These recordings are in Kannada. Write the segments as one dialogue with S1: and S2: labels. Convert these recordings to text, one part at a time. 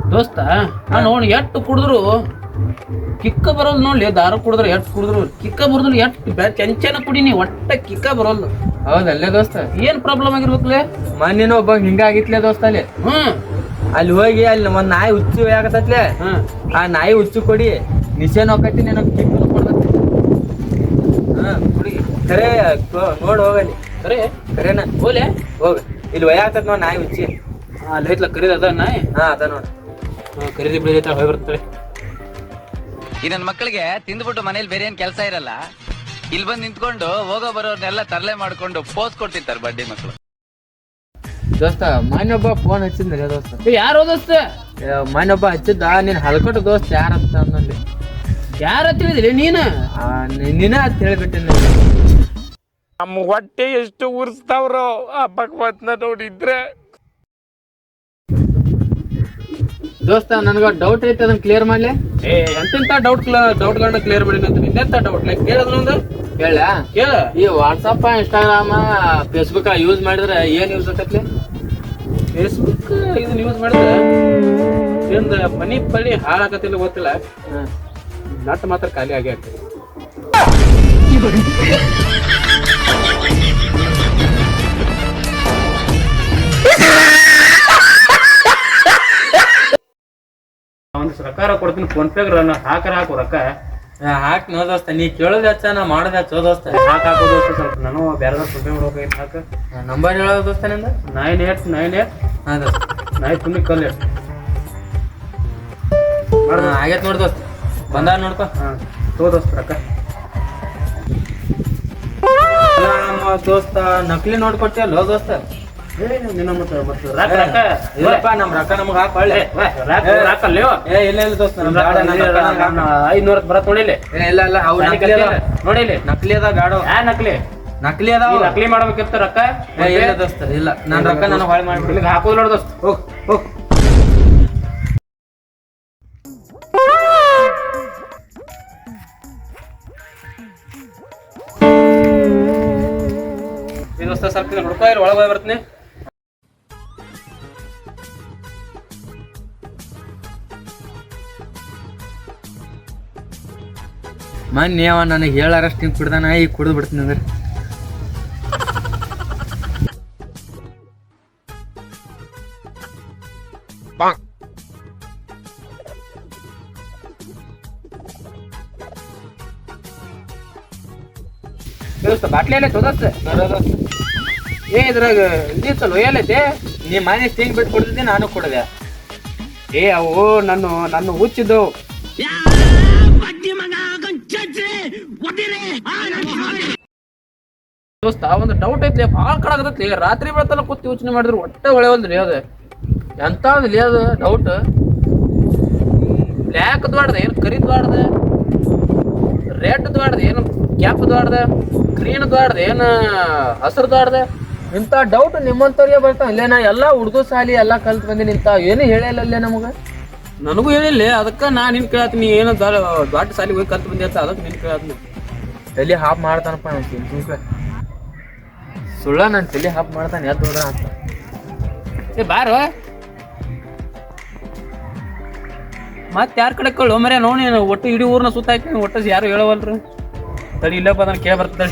S1: ದೋಸ್ತ ನಾನು ನೋಡಿ ಎಟ್ಟು ಕುಡಿದ್ರು ಕಿಕ್ಕ ಬರೋದು ನೋಡ್ಲಿ. ದಾರ ಕುಡಿದ್ರೆ ಎಟ್ಟು ಕುಡಿದ್ರು ಕಿಕ್ಕ ಬರೋದಿಲ್ಲ. ಎಟ್ಟು ಚೆಂಚನ ಕುಡಿನಿ ಒಟ್ಟ ಕಿಕ್ಕ ಬರೋಲ್ಲ.
S2: ಹೌದಲ್ಲೇ ದೋಸ್ತ
S1: ಏನ್ ಪ್ರಾಬ್ಲಮ್ ಆಗಿರ್ಬೇಕಲೇ?
S2: ಮೊನ್ನೆನ ಒಬ್ಬ ಹಿಂಗಾಗಿತ್ಲೆ ದೋಸ್ತ ಅಲ್ಲಿ. ಅಲ್ಲಿ ಹೋಗಿ ಅಲ್ಲಿ ಒಂದ್ ನಾಯಿ ಹುಚ್ಚು ಆಗತ್ತತ್ಲೆ. ಆ ನಾಯಿ ಹುಚ್ಚು ಕೊಡಿ ನಿಶೇನ್ ಹೋಗತ್ತಿ ನಾನು ಕಿಕ್ಕ ಕೊಡ್ಬೇಕು. ಕುಡಿ ಖರೆ ನೋಡ್ ಹೋಗಲ್ಲಿ. ಖರೇನ
S1: ಹೋಲೆ
S2: ಹೋಗ. ಇಲ್ಲಿ ವಯ ಆಗ್ತದ ನೋಡ್ ನಾಯಿ ಹುಚ್ಚಿ.
S1: ಅಲ್ಲಿ ಐತ್ಲ ಕರೀದ ಅದ ನಾಯಿ.
S2: ಅದ ನೋಡ್
S1: ಖರೀದಿ ಬಿಡಿ ಹೋಗಿ ಬರ್ತಾಳೆ.
S3: ಈ ನನ್ನ ಮಕ್ಕಳಿಗೆ ತಿಂದ್ಬಿಟ್ಟು ಮನೇಲಿ ಬೇರೆ ಏನ್ ಕೆಲಸ ಇರಲ್ಲ. ಇಲ್ಲಿ ಬಂದು ನಿಂತ್ಕೊಂಡು ಹೋಗೋ ಬರೋರ್ನೆಲ್ಲ ತರಲೆ ಮಾಡ್ಕೊಂಡು ಪೋಸ್ ಕೊಡ್ತಿರ್ತಾರೆ ಬಡ್ಡಿ ಮಕ್ಕಳು.
S2: ದೋಸ್ತ ಮೊನ್ನೊಬ್ಬ ಫೋನ್ ಹಚ್ಚಿದ್ರಿ ದೋಸ್ತ.
S1: ಯಾರು ದೋಸ್ತ?
S2: ಮೊನ್ನೊಬ್ಬ ಹಚ್ಚಿದ್ದ ನೀನ್ ಹಲ್ಕೊಟ್ಟು ದೋಸ್ತ ಯಾರಂತ ಅನ್ನಲ್ಲಿ.
S1: ಯಾರ ತಿಳಿದ್ರಿ ನೀನು?
S2: ನೀನ ಅಂತ ಹೇಳ್ಬಿಟ್ಟೆ.
S4: ನಮ್ಮ ಹೊಟ್ಟೆ ಎಷ್ಟು ಉರ್ಸ್ತಾವ್ರೋ ಆ ಭಗವತ್ನ ನೋಡಿದ್ರೆ.
S2: ದೋಸ್ತ ನನ್ಗ ಡೌಟ್ ಐತೆ ಅದನ್ನ ಕ್ಲಿಯರ್ ಮಾಡ್ಲಿ.
S1: ಎಂತೆಂತ ಡೌಟ್ಗಳನ್ನ ಕ್ಲಿಯರ್ ಮಾಡಿ ಅಂತ ಇನ್ನೆಂತ ಡೌಟ್ ಕೇಳೋದು
S2: ಹೇಳ
S1: ಕೇಳ.
S2: ಈ ವಾಟ್ಸಪ್ ಇನ್ಸ್ಟಾಗ್ರಾಮ್ ಫೇಸ್ಬುಕ್ ಯೂಸ್ ಮಾಡಿದ್ರೆ ಏನ್ ಯೂಸ್ ಆಗತ್ಲಿ?
S1: ಫೇಸ್ಬುಕ್ ಇದನ್ನ ಯೂಸ್ ಮಾಡಿದ್ರೆ ನಿಂದ ಮನಿ ಪಳಿ ಹಾಳಾಗತ್ತಿಲ್ಲ ಗೊತ್ತಿಲ್ಲ. ನಟ್ ಮಾತ್ರ ಖಾಲಿ ಆಗಿ ಆಗ್ತದೆ. ಒಂದು ರೊಕ್ಕ ಕೊಡ್ತೀನಿ ಫೋನ್ ಪೇ ಹಾಕು ರೊಕ್ಕ
S2: ಹಾಕ್ ನೋ ದೋಸ್ತ. ನೀ ಕೇಳೋದ್ ಹಚ್ಚ ನಾ ಮಾಡೋದ್ ಹಚ್ಚೋ ದೋಸ್ತ.
S1: ಹಾಕೋ ದೋಸ್ತ. ಸ್ವಲ್ಪ ನಾನು ಬೇರೆ ಫೋನ್ ಪೇ ಮಾಡ್ಬೇಕಾಗಿತ್ತು. ಹಾಕ
S2: ನಂಬರ್ ಹೇಳೋ ದೋಸ್ತ ನಿಂದ
S1: 9898.
S2: ಹಾ ದೋಸ್ತ.
S1: ನಾಯಿ ತುಣಿ ಕಲ್ಲು
S2: ಆಗೈತ್ ನೋಡ್ ದೋಸ್ತ. ಬಂದ ನೋಡ್ಕೊ.
S1: ತೋ ದೋಸ್ತ ರೊಕ್ಕ.
S2: ದೋಸ್ತ ನಕಲಿ ನೋಡ್ ಕೊಟ್ಟಿಯಲ್ಲ ದೋಸ್ತ. ಇಲ್ಲಪ್ಪ ನಮ್ ರೊಕ್ಕ ನಮಗ್ ಹಾಕ್ ಒಳ್ಳೆ. ಇಲ್ಲ ಇಲ್ಲ ದೋಸ್ತ
S1: 500 ಬರತ್ ನೋಡಿಲಿ.
S2: ಇಲ್ಲ ಇಲ್ಲ ಅವು
S1: ನೋಡಿಲಿ
S2: ನಕಲಿ ಅದ ಬ್ಯಾಡ. ನಕಲಿ ಅದಾವ.
S1: ನಕಲಿ ಮಾಡ್ಬೇಕಿತ್ತು ರೊಕ್ಕ.
S2: ಇಲ್ಲ ದೋಸ್ತ ಇಲ್ಲ ನನ್ ರೊಕ್ಕ ನನಗ್ ಹೊಳೆ ಮಾಡ್ಬಿಡ್ಲಿ.
S1: ಹಾಕೋದ್ ನೋಡ ದೋಸ್ತ. ಹೋಗ್ ದೋಸ್ತ ಸ್ವಲ್ಪ ನೋಡ್ಕೊ. ಒಳಗೆ ಹೋಗಿ ಬರ್ತೀನಿ.
S2: ಮೊನ್ನೆ ಅವ ನನಗೆ ಹೇಳಾರಷ್ಟು ಹಿಂಗೆ ಕುಡ್ದಾನ. ಈಗ ಕುಡಿದು ಬಿಡ್ತೀನಿ ಅಂದ್ರೆ
S1: ದೋಸ್ತ ಬಾಟ್ಲಿ ಎಲ್ಲ ದೋಸ್ತ. ಇದ್ರಾಗ ಇದಿತ್ತಲ್ಲ ಒಯ್ಯಲ್ಲೈತೆ.
S2: ನೀ ಮನೆ ಹಿಂಗ್ ಬಿಟ್ಟು ಕುಡ್ದಿದ್ದೆ ನಾನು ಕುಡ್ದೆ.
S1: ಅವು ನನ್ನ ಹುಚ್ಚಿದ್ದು ದೋಸ್ತ. ಒಂದು ಡೌಟ್ ಐತ್ಲಿ ಭಾಳ ಕಡಾಗತ್ಲಿ. ರಾತ್ರಿ ಬೆಳತಲ್ಲ ಕೂತ್ ಯೋಚನೆ ಮಾಡಿದ್ರು ಒಟ್ಟೆ ಹೊಳೆವಲ್ರಿ. ಅದು ಎಂತಾದ್ಲಿ ಅದು ಡೌಟ್. ಬ್ಲ್ಯಾಕ್ ದ್ವಾಡ್ದ ಏನು ಕರಿದ್ ದ್ವಾಡ್ದ, ರೆಡ್ ದ್ವಾಡ್ದ ಏನು ಕ್ಯಾಪ್ ದ್ವಾಡ್ದ, ಗ್ರೀನ್ ದ್ವಾಡ್ದ ಏನು ಹಸಿರು ದ್ವಾಡ್ದ.
S2: ಇಂಥ ಡೌಟ್ ನಿಮ್ಮಂತವ್ರಿಗೆ ಬರ್ತಾವ. ಇಲ್ಲೇ ನಾ ಎಲ್ಲಾ ಹುಡುಗ ಸಾಲಿ ಎಲ್ಲಾ ಕಲ್ತ್ ಬಂದಿನಿ. ಇಂಥ ಏನು ಹೇಳಿಲ್ಲೇ ನಮಗ.
S1: ನನಗೂ ಹೇಳಿಲ್ಲ. ಅದಕ್ಕೆ ನಾ ನಿನ್ ಕೇಳತ್ತೀನಿ. ಏನು ದೊಡ್ಡ ಸಾಲಿ ಹೋಗಿ ಕಲ್ತ್ ಬಂದಿ ಅಂತ ಅದಕ್ಕೆ ನಿನ್ ಕೇಳತ್ತೀನಿ.
S2: ತಲೆ ಹಾಪ್ ಮಾಡ್ತಾನಪ್ಪ ನಾನು. ಸುಳ್ಳ ನಾನು ತಲೆ ಹಾಪ್ ಮಾಡ್ತಾನೆ. ಎದ್ದು ಹೋದ್ರ ಅಂತ
S1: ಬಾರೋ ಮತ್ತೆ ಯಾರ ಕಡೆ ಕಳ್ಳು ಮರ್ಯ ನೋಡಿ. ಒಟ್ಟು ಇಡೀ ಊರ್ನ ಸುತ್ತ ಹಾಕಿ ಒಟ್ಟು ಯಾರು ಹೇಳವಲ್ರಿ. ತಡಿ ಇಲ್ಲಪ್ಪ ಅದನ್ನ ಕೇಳ ಬರ್ತದೆ.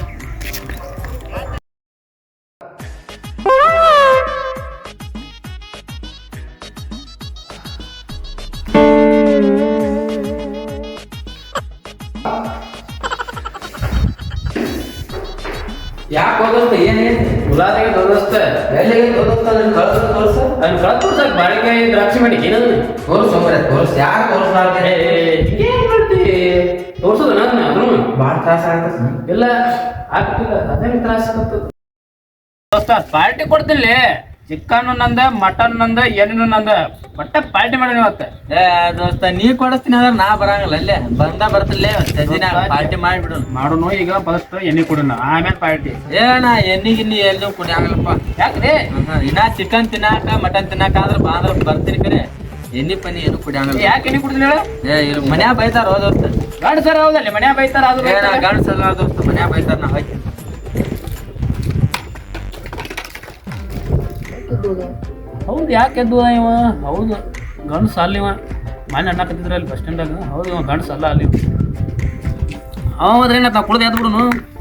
S2: ಯಾಕೆ ಹೋದೋಸ್ತ ಏನೇನು
S1: ಗುಲಾಬಿಗೆ ದೋಸ್ತ
S2: ಎಲ್ಲಿಗೆ ಹೋದೋಸ್ತ ನನ್ನ ಕಳ್ಸ
S1: ಅದನ್ನ ಕಳ್ಸ ಬಾಳಿಕಾಯಿ ದ್ರಾಕ್ಷಿ ಮಾಡಿ ಏನದು
S2: ತೋರ್ಸು ಮರೆ ತೋರ್ಸು. ಯಾರು ತೋರ್ಸ್ಲಾರ್ದೆ
S1: ಏನ್ ಮಾಡ್ತಿ? ತೋರ್ಸೋದ ನಾನು ಅದನ್ನು
S2: ಭಾಳ ತ್ರಾಸ ಆಗತ್ತ.
S1: ಇಲ್ಲ ಆಗ್ತಿಲ್ಲ. ಅದೇ ತ್ರಾಸ ಆಗ್ತದ ದೋಸ್ತ. ಪಾರ್ಟಿ ಕೊಡ್ತಿಲ್ಲಿ. ಚಿಕನ್ ನಂದ, ಮಟನ್ ನಂದ, ಏನೇನು ನಂದ. ಒಟ್ಟ ಪಾರ್ಟಿ ಮಾಡಿ ಇವತ್ತ.
S2: ದೋಸ್ತ ನೀ ಕೊಡಿಸ್ತೀನಿ ಅಂದ್ರೆ ನಾ ಬರಂಗಿಲ್ಲ. ಅಲ್ಲೇ ಬರ್ತಿಲ್ಲ ದಿನ ಪಾರ್ಟಿ ಮಾಡಿಬಿಡು.
S1: ಮಾಡೋನು ಈಗ ಫಸ್ಟ್ ಎಣ್ಣೆ ಕೊಡೋಣ ಆಮೇಲೆ ಪಾರ್ಟಿ.
S2: ಏನ ಎಣ್ಣಿಗಿನ್ನಿ ಎಲ್ಲೂ ಕುಡಿಯಾಗಲ್ಲಪ್ಪ.
S1: ಯಾಕ್ರಿ?
S2: ಇನ್ನ ಚಿಕನ್ ತಿನ್ನಾಕ ಮಟನ್ ತಿನ್ನಾಕ ಆದ್ರೆ ಬಾಂದ್ರ ಬರ್ತೀನಿ. ಕರೆ ಎಣ್ಣಿ ಪನಿ ಏನು ಕುಡಿಯಾಗಲ್ಲ.
S1: ಯಾಕೆ ಎಣ್ಣೆ ಕುಡಿದ್ರಿ ಹೇಳ?
S2: ಇಲ್ಲಿ ಮನ್ಯಾಗ ಬೈತಾರ ಹೋದೋಸ್ತ.
S1: ಗಂಡಸರ ಹೌದಲ್ಲಿ ಮನ್ಯಾಗ ಬೈತಾರ. ಅದು
S2: ಗಂಡಸಲ್ಲ ದೋಸ್ತ ಮನ್ಯಾಗ ಬೈತಾರ. ನಾ ಹೋಯ್ತೀನಿ.
S1: ಹೌದು ಯಾಕೆ ಎದ್ದು ಇವ? ಹೌದು ಗಂಡಸ ಅಲ್ಲಿವ ಮನೆ ಅಣ್ಣಕತ್ತಿದ್ರ ಅಲ್ಲಿ ಬಸ್ ಸ್ಟ್ಯಾಂಡಾಗ ಹೌದು ಇವ ಗಂಡಸ ಅಲ್ಲ ಅಲ್ಲಿ ಹೌದ್ರಿ ನಾವು ಕುಡ್ದು ಎದ್ದು ಬಿಡುನು